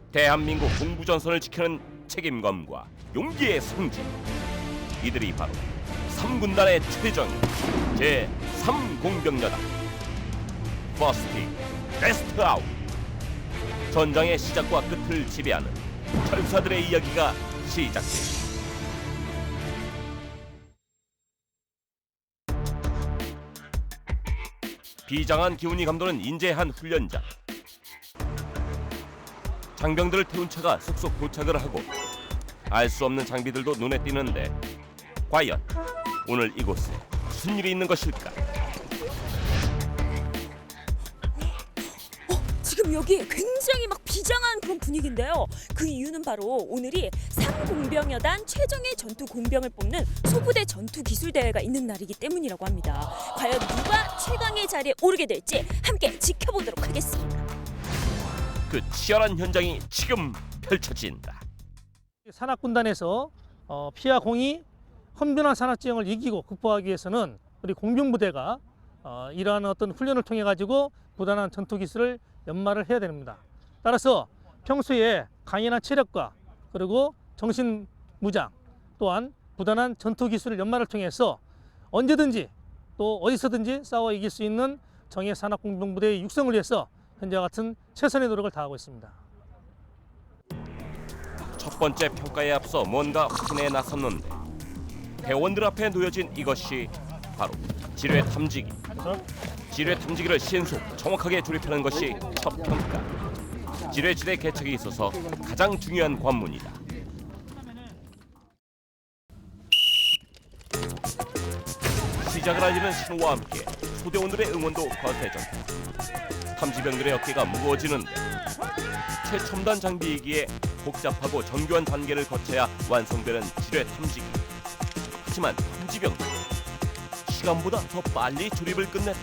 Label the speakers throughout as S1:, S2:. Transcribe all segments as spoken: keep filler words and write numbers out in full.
S1: 대한민국 동부전선을 지키는 책임감과 용기의 승진. 이들이 바로 삼군단의 최정예 제삼 공병여단 퍼스트 베스트 아웃. 전장의 시작과 끝을 지배하는 철사들의 이야기가 시작됩니다. 비장한 기운이 감도는 인재한 훈련장. 장병들을 태운 차가 속속 도착을 하고 알 수 없는 장비들도 눈에 띄는데 과연 오늘 이곳에 무슨 일이 있는 것일까?
S2: 어, 지금 여기 굉장히 막 비장한 그런 분위기인데요. 그 이유는 바로 오늘이 삼공병여단 최정예 전투 공병을 뽑는 소부대 전투 기술 대회가 있는 날이기 때문이라고 합니다. 과연 누가 최강의 자리에 오르게 될지 함께 지켜보도록 하겠습니다.
S1: 그 치열한 현장이 지금 펼쳐진다.
S3: 산악군단에서 어, 피와 공이 험변한 산악지형을 이기고 극복하기 위해서는 우리 공병부대가 어, 이러한 어떤 훈련을 통해 가지고 부단한 전투 기술을 연마를 해야 됩니다. 따라서 평소에 강인한 체력과 그리고 정신 무장 또한 부단한 전투 기술을 연마를 통해서 언제든지 또 어디서든지 싸워 이길 수 있는 정예 산악공병부대의 육성을 위해서 현재와 같은 최선의 노력을 다하고 있습니다.
S1: 첫 번째 평가에 앞서 뭔가 확인에 나섰는데 대원들 앞에 놓여진 이것이 바로 지뢰 탐지기. 지뢰 탐지기를 신속 정확하게 조립하는 것이 첫 평가. 지뢰지대 개척에 있어서 가장 중요한 관문이다. 시작을 알리는 신호와 함께 소대원들의 응원도 거세졌다. 탐지병들의 어깨가 무거워지는데 최첨단 장비이기에 복잡하고 정교한 단계를 거쳐야 완성되는 지뢰 탐지기. 하지만 탐지병들 시간보다 더 빨리 조립을 끝냈다.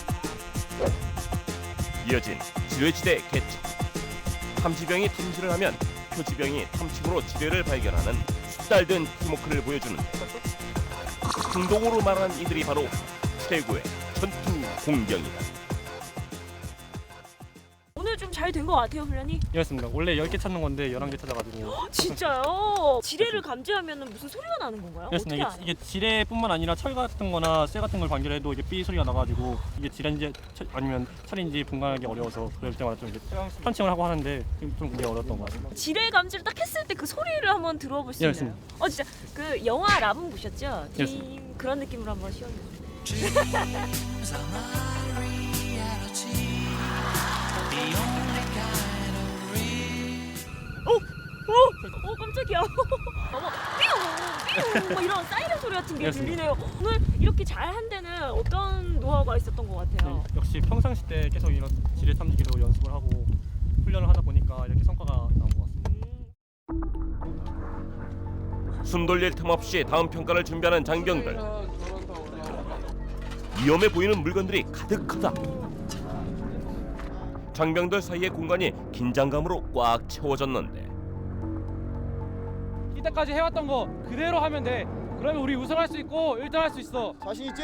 S1: 이어진 지뢰지대 개척. 탐지병이 탐지를 하면 표지병이 탐침으로 지뢰를 발견하는 숙달된 팀워크를 보여주는데 공동으로 말하는 이들이 바로 최고의 전투 공병이다.
S2: 오늘 좀 잘 된 것 같아요, 훈련이.
S4: 그렇습니다. 원래 열 개 찾는 건데 열한 개 찾아가지고.
S2: 진짜요? 지뢰를 감지하면 무슨 소리가 나는 건가요?
S4: 그렇습니다.
S2: 어떻게
S4: 이게,
S2: 알아요?
S4: 이게 지뢰뿐만 아니라 철 같은 거나 쇠 같은 걸 관결해도 이게 삐 소리가 나가지고 이게 지뢰인지 철, 아니면 철인지 분간하기 어려워서 그럴 때마다 좀 이제 펀칭을 하고 하는데 좀, 좀 그게 어려웠던 것 같습니다.
S2: 지뢰 감지를 딱 했을 때 그 소리를 한번 들어볼 수
S4: 예,
S2: 있나요? 어 진짜 그 영화 라붐 보셨죠?
S4: 예,
S2: 팀 그런 느낌으로 한번 시원해. 어, 어, 어 깜짝이야. 어머, 삐용, 삐용, 뭐 이런 사이렌 소리 같은 게
S4: 그렇습니다.
S2: 들리네요. 오늘 이렇게 잘한 데는 어떤 노하우가 있었던 것 같아요?
S4: 네, 역시 평상시 때 계속 이런 지뢰 탐지기로 연습을 하고 훈련을 하다 보니까 이렇게 성과가 나온 것 같습니다.
S1: 숨 돌릴 틈 없이 다음 평가를 준비하는 장병들. 위험해 보이는 물건들이 가득하다. 장병들 사이의 공간이 긴장감으로 꽉 채워졌는데
S5: 이때까지 해왔던 거 그대로 하면 돼. 그러면 우리 우승할 수 있고 일 등 할 수 있어.
S6: 자신 있지?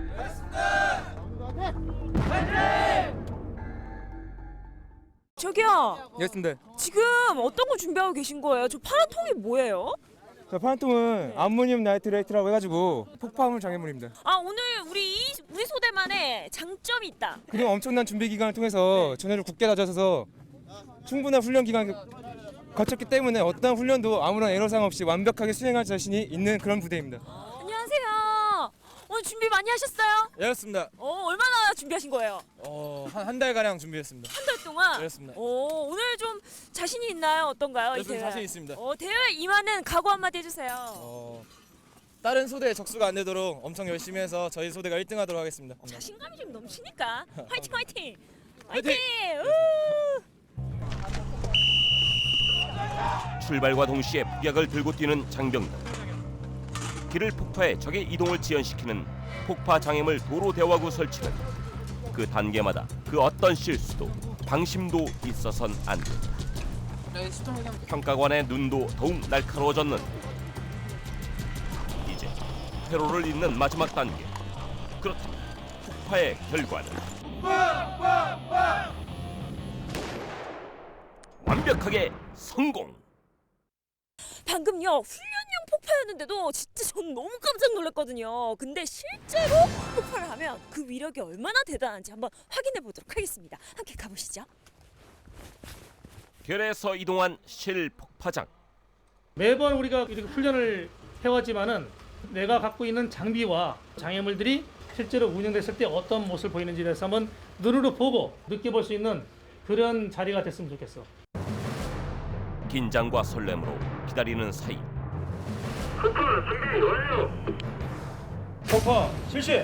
S2: 저기요,
S6: 알겠습니다.
S2: 지금 어떤 거 준비하고 계신 거예요? 저 파란 통이 뭐예요?
S6: 저 파란통은 암모늄 나이트레이트라고 해가지고 폭파물 장애물입니다.
S2: 아 오늘 우리 이- 우리 소대만의 장점이 있다.
S6: 그동안 엄청난 준비 기간을 통해서 전열을 굳게 다져서 충분한 훈련 기간을 거쳤기 때문에 어떠한 훈련도 아무런 애로사항 없이 완벽하게 수행할 자신이 있는 그런 부대입니다.
S2: 안녕하세요. 오늘 준비 많이 하셨어요?
S6: 예, 그렇습니다.
S2: 어 얼마나 준비하신 거예요?
S6: 어, 한 한 달가량 준비했습니다.
S2: 한 달 동안?
S6: 그렇습니다.
S2: 오 오늘 좀 자신이 있나요? 어떤가요? 이
S6: 저는
S2: 대회?
S6: 자신 있습니다.
S2: 어 대회 임하는 각오 한마디 해주세요.
S6: 어, 다른 소대에 적수가 안 되도록 엄청 열심히 해서 저희 소대가 일 등 하도록 하겠습니다.
S2: 자신감이 좀 넘치니까 화이팅 화이팅!
S6: 화이팅!
S2: 화이팅! 우!
S1: 출발과 동시에 폭약을 들고 뛰는 장병들. 길을 폭파해 적의 이동을 지연시키는 폭파 장애물 도로 대화구 설치는 그 단계마다 그 어떤 실수도 방심도 있어선 안 된다. 평가관의 눈도 더욱 날카로워졌는데 이제 퇴로를 잇는 마지막 단계. 그렇다면 폭파의 결과는 완벽 완벽하게 성공.
S2: 방금요 훈련용 폭파였는데도 진짜 전 너무 깜짝 놀랐거든요. 근데 실제로 폭발을 하면 그 위력이 얼마나 대단한지 한번 확인해 보도록 하겠습니다. 함께 가보시죠.
S1: 별에서 이동한 실폭파장.
S3: 매번 우리가 이렇게 훈련을 해왔지만은 내가 갖고 있는 장비와 장애물들이 실제로 운영됐을 때 어떤 모습을 보이는지에 대해서 한번 눈으로 보고 느껴볼 수 있는 그런 자리가 됐으면 좋겠어.
S1: 긴장과 설렘으로 기다리는 사이
S3: 폭파 실시.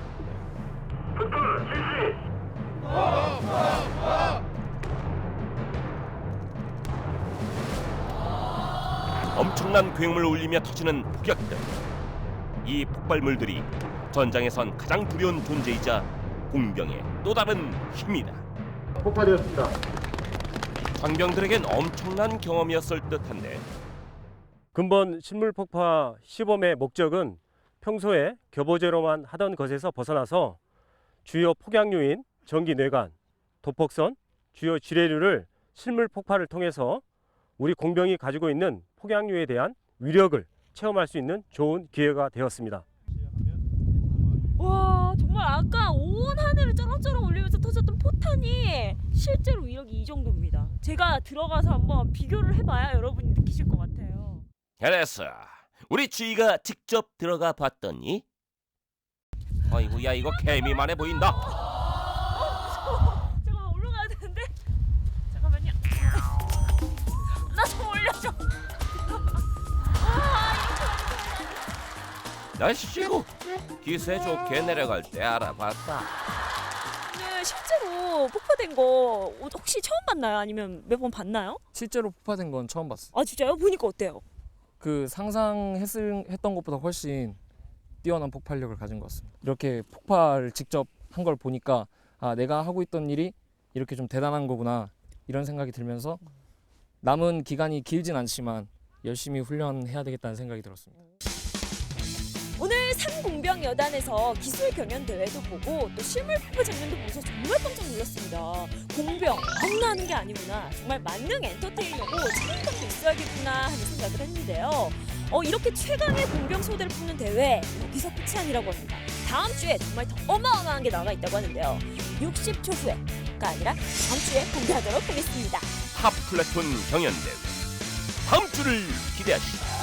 S1: 엄청난 굉음을 울리며 터지는 폭격들. 이 폭발물들이 전장에선 가장 두려운 존재이자 공병의 또 다른 힘이다.
S7: 폭파되었습니다.
S1: 장병들에겐 엄청난 경험이었을 듯한데
S8: 근본 실물 폭파 시범의 목적은 평소에 교보제로만 하던 것에서 벗어나서 주요 폭약류인 전기 뇌관, 도폭선, 주요 지뢰류를 실물 폭파를 통해서 우리 공병이 가지고 있는 폭약류에 대한 위력을 체험할 수 있는 좋은 기회가 되었습니다.
S2: 와 정말 아까 온 하늘을 쩌렁쩌렁 울리면서 터졌던 포탄이 실제로 위력이 이 정도입니다. 제가 들어가서 한번 비교를 해봐야 여러분이 느끼실 것 같아요.
S1: 그래서 우리 주희가 직접 들어가 봤더니 아이고 야 이거 개미만해 보인다.
S2: 잠깐만 올라가야 되는데 잠깐만요. 나 좀 올려줘.
S1: 날씨고 기세 좋게 내려갈 때 알아봤다.
S2: 네, 실제로 폭파된 거 혹시 처음 봤나요? 아니면 몇 번 봤나요?
S9: 실제로 폭파된 건 처음 봤어요.
S2: 아 진짜요? 보니까 어때요?
S9: 그 상상했던 것보다 훨씬 뛰어난 폭발력을 가진 것 같습니다. 이렇게 폭발을 직접 한 걸 보니까 아 내가 하고 있던 일이 이렇게 좀 대단한 거구나 이런 생각이 들면서 남은 기간이 길진 않지만 열심히 훈련해야 되겠다는 생각이 들었습니다.
S2: 오늘 삼공병 여단에서 기술 경연 대회도 보고 또 실물 폭파 장면도 보면서 정말 깜짝 놀랐습니다. 공병 아무나 하는 게 아니구나. 정말 만능 엔터테이너고 책임감도 있어야겠구나 하는 생각을 했는데요. 어, 이렇게 최강의 공병 소대를 푸는 대회 여기서 끝이 아니라고 합니다. 다음 주에 정말 더 어마어마한 게 나와 있다고 하는데요. 육십 초 후에가 아니라 다음 주에 공개하도록 하겠습니다.
S1: 탑 플래툰 경연대회 다음 주를 기대하시다.